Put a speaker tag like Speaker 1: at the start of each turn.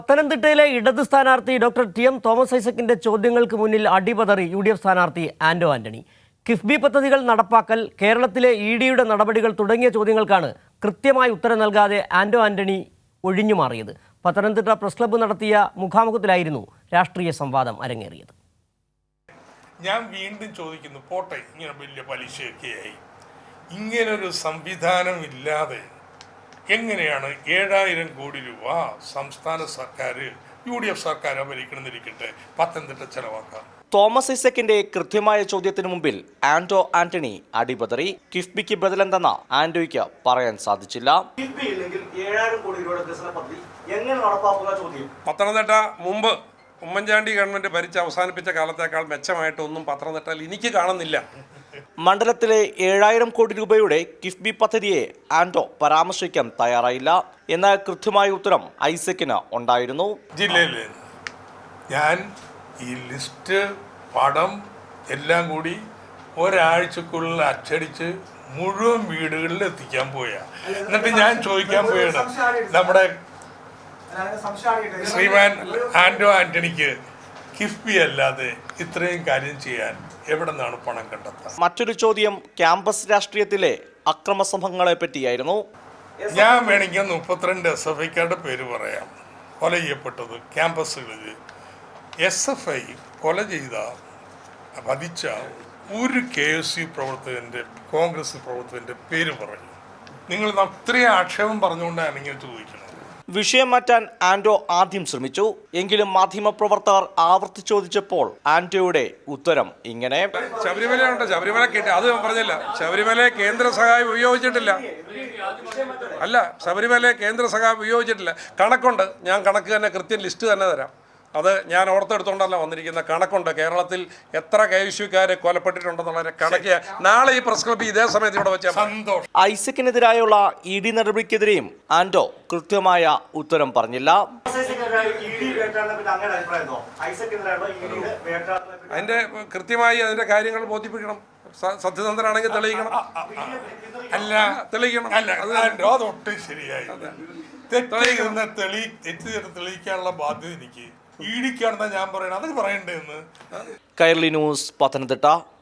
Speaker 1: പത്തനംതിട്ടയിലെ ഇടത് സ്ഥാനാർത്ഥി ഡോക്ടർ ടി.എം. തോമസ് ഐസക്കിന്റെ ചോദ്യങ്ങൾക്ക് മുന്നിൽ അടിപതറി യു.ഡി.എഫ് സ്ഥാനാർത്ഥി ആന്റോ ആന്റണി. കിഫ്ബി പദ്ധതികൾ നടപ്പാക്കൽ, കേരളത്തിലെ ഇ.ഡിയുടെ നടപടികൾ തുടങ്ങിയ ചോദ്യങ്ങൾക്കാണ് കൃത്യമായി ഉത്തരം നൽകാതെ ആന്റോ ആന്റണി ഒഴിഞ്ഞുമാറിയത്. പത്തനംതിട്ട പ്രസ് ക്ലബ്ബ് നടത്തിയ മുഖാമുഖത്തിലായിരുന്നു രാഷ്ട്രീയ സംവാദം അരങ്ങേറിയത്.
Speaker 2: ഞാൻ വീണ്ടും ചോദിക്കുന്നു, പോട്ടെ, ഇങ്ങനെ വലിയ പലിശയൊക്കെയായി, ഇങ്ങനൊരു സംവിധാനം ഇല്ലാതെ എങ്ങനെയാണ് 7000 കോടി രൂപ സംസ്ഥാന സർക്കാർ, യു.ഡി.എഫ് സർക്കാർ ഭരിക്കണമെന്നിരിക്കട്ടെ, പത്തനംതിട്ട ചെലവാക്കാം?
Speaker 3: തോമസ് ഐസക്കിന്റെ കൃത്യമായ ചോദ്യത്തിന് മുമ്പിൽ ആന്റോ ആന്റണി അടിപതറി. കിഫ്ബിക്ക് ബദലെന്തെന്ന ആന്റോയ്ക്ക് പറയാൻ സാധിച്ചില്ല.
Speaker 2: പത്തനംതിട്ട മുമ്പ് ഉമ്മൻചാണ്ടി ഗവൺമെന്റ് ഭരിച്ച് അവസാനിപ്പിച്ച കാലത്തേക്കാൾ മെച്ചമായിട്ടൊന്നും പത്തനംതിട്ടയിൽ എനിക്ക് കാണുന്നില്ല.
Speaker 3: മണ്ഡലത്തിലെ 7000 കോടി രൂപയുടെ കിഫ്ബി പദ്ധതിയെ ആന്റോ പരാമർശിക്കാൻ തയ്യാറായില്ല. എന്നാൽ കൃത്യമായ ഉത്തരം ഐസക്കിന് ഉണ്ടായിരുന്നു.
Speaker 2: ജില്ലയിൽ ഞാൻ ഈ ലിസ്റ്റ്, പടം എല്ലാം കൂടി ഒരാഴ്ചക്കുള്ളിൽ അച്ചടിച്ച് മുഴുവൻ വീടുകളിൽ എത്തിക്കാൻ പോയാ. എന്നിട്ട് ഞാൻ ചോദിക്കാൻ പോയാണ്, നമ്മുടെ ശ്രീമാൻ ആന്റോ ആന്റണിക്ക് കിഫ്ബി അല്ലാതെ ഇത്രയും കാര്യം ചെയ്യാൻ എവിടെ നിന്നാണ് പണം കണ്ടെത്തുക?
Speaker 3: മറ്റൊരു ചോദ്യം ക്യാമ്പസ് രാഷ്ട്രീയത്തിലെ അക്രമ സംഭവങ്ങളെ പറ്റിയായിരുന്നു.
Speaker 2: ഞാൻ വേണമെങ്കിൽ 32 SFIക്കാരുടെ പേര് പറയാം കൊല ചെയ്യപ്പെട്ടത് ക്യാമ്പസുകളിൽ. SFI കൊല ചെയ്ത, വധിച്ച ഒരു KSU പ്രവർത്തകൻ്റെ, കോൺഗ്രസ് പ്രവർത്തകൻ്റെ പേര് പറഞ്ഞു. നിങ്ങൾ അത്രയും ആക്ഷേപം പറഞ്ഞുകൊണ്ടാണ് ഇങ്ങനെ ചോദിക്കുന്നത്.
Speaker 3: വിഷയം മാറ്റാൻ ആന്റോ ആദ്യം ശ്രമിച്ചു. എങ്കിലും മാധ്യമപ്രവർത്തകർ ആവർത്തി ചോദിച്ചപ്പോൾ ആന്റോയുടെ ഉത്തരം ഇങ്ങനെ:
Speaker 2: ശബരിമലയുണ്ട്, ശബരിമല അത് പറഞ്ഞില്ല. ശബരിമല കേന്ദ്ര സഹായം ഉപയോഗിച്ചിട്ടില്ല. അല്ല, ശബരിമല കേന്ദ്ര സഹായം ഉപയോഗിച്ചിട്ടില്ല. കണക്കുണ്ട്, ഞാൻ കണക്ക് തന്നെ, കൃത്യം ലിസ്റ്റ് തന്നെ തരാം. അത് ഞാൻ ഓർത്തെടുത്തോണ്ടല്ല വന്നിരിക്കുന്ന കണക്കുണ്ട്. കേരളത്തിൽ എത്ര KSUക്കാരെ കൊലപ്പെട്ടിട്ടുണ്ടെന്നുള്ള കണക്ക് നാളെ ഈ പ്രസ് ക്ലബ്ബ് ഇതേ സമയത്ത് ഇവിടെ വെച്ചാൽ സന്തോഷം.
Speaker 3: ഐസക്കിനെതിരായുള്ള ED നടപടിക്കെതിരെയും ആന്റോ കൃത്യമായ ഉത്തരം പറഞ്ഞില്ല.
Speaker 2: അതിന്റെ കൃത്യമായി അതിന്റെ കാര്യങ്ങൾ ബോധിപ്പിക്കണം. സത്യസന്ധനാണെങ്കിൽ തെളിയിക്കണം. അല്ല, തെളിയിക്കണം. അതൊട്ടും ശരിയായി. തെളിയിക്കാനുള്ള ബാധ്യത എനിക്ക് EDക്കാണെന്നാ ഞാൻ പറയണത്. അത് പറയണ്ടേന്ന്.
Speaker 3: കൈരളി ന്യൂസ്, പത്തനംതിട്ട.